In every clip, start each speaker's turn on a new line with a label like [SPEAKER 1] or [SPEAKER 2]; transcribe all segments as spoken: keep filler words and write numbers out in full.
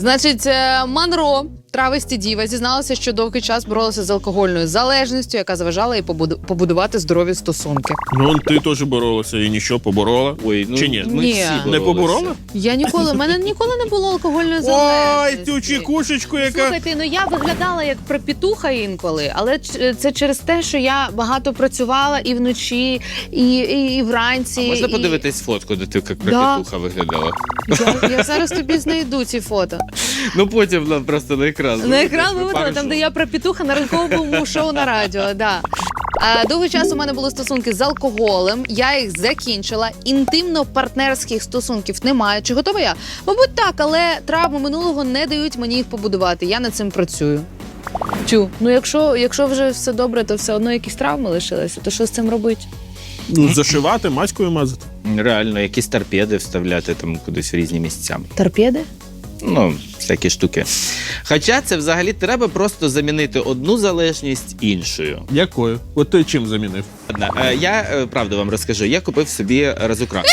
[SPEAKER 1] Значить, е, Монро, травесті діва, зізналася, що довгий час боролася з алкогольною залежністю, яка заважала їй побуду- побудувати здорові стосунки.
[SPEAKER 2] Ну, ти теж боролася і нічого, поборола.
[SPEAKER 3] Ой, ну,
[SPEAKER 2] Чи ні?
[SPEAKER 3] ми
[SPEAKER 1] Ні.
[SPEAKER 3] всі
[SPEAKER 1] Не
[SPEAKER 2] Не
[SPEAKER 3] боролися.
[SPEAKER 2] поборола?
[SPEAKER 1] Я ніколи, в мене ніколи не було алкогольної
[SPEAKER 2] Ой,
[SPEAKER 1] залежності.
[SPEAKER 2] цю чекушечку, яка...
[SPEAKER 1] Слухайте, ну я виглядала як пропітуха інколи, але ч- це через те, що я багато працювала і вночі, і, і, і вранці.
[SPEAKER 3] А можна
[SPEAKER 1] і...
[SPEAKER 3] подивитись фотку, де ти як
[SPEAKER 1] Да.
[SPEAKER 3] пропітуха виглядала?
[SPEAKER 1] Я, я зараз тобі знайду ці фото.
[SPEAKER 3] Ну потім нам просто на екран.
[SPEAKER 1] На екран виводила, там, де я пропітуха на ранковому шоу на радіо. Да. А, довгий час у мене були стосунки з алкоголем, я їх закінчила, інтимно-партнерських стосунків немає. Чи готова я? Мабуть, так, але травми минулого не дають мені їх побудувати. Я над цим працюю. Тю, ну якщо, якщо вже все добре, то все одно якісь травми лишилися, то що з цим робити?
[SPEAKER 2] Ну, зашивати, маською мазати.
[SPEAKER 3] Реально, якісь торпеди вставляти там кудись в різні місця.
[SPEAKER 1] Торпеди?
[SPEAKER 3] Ну, всякі штуки. Хоча це взагалі треба просто замінити одну залежність іншою.
[SPEAKER 2] Якою? От ти чим замінив?
[SPEAKER 3] Ладно, е, я е, правду вам розкажу. Я купив собі разукрас.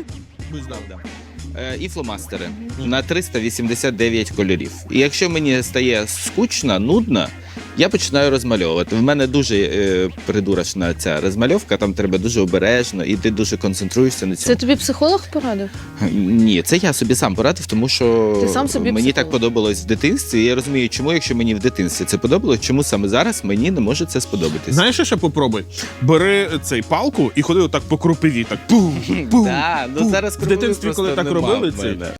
[SPEAKER 3] Е, і фломастери на триста вісімдесят дев'ять кольорів. І якщо мені стає скучно, нудно, я починаю розмальовувати. В мене дуже е, придурочна ця розмальовка, там треба дуже обережно, і ти дуже концентруєшся на цьому.
[SPEAKER 1] Це тобі психолог порадив?
[SPEAKER 3] Ні, це я собі сам порадив, тому що
[SPEAKER 1] Ти сам собі
[SPEAKER 3] мені
[SPEAKER 1] психолог?
[SPEAKER 3] так подобалось в дитинстві. І я розумію, чому, якщо мені в дитинстві це подобалось, чому саме зараз мені не може це сподобатись.
[SPEAKER 2] Знаєш, що ще попробуй? Бери цей палку і ходи отак по крупиві, так пум, пум,
[SPEAKER 3] Да, ну
[SPEAKER 2] пум.
[SPEAKER 3] зараз
[SPEAKER 2] В дитинстві,
[SPEAKER 3] просто
[SPEAKER 2] коли так
[SPEAKER 3] нема
[SPEAKER 2] робили,
[SPEAKER 3] в
[SPEAKER 2] це
[SPEAKER 3] мене.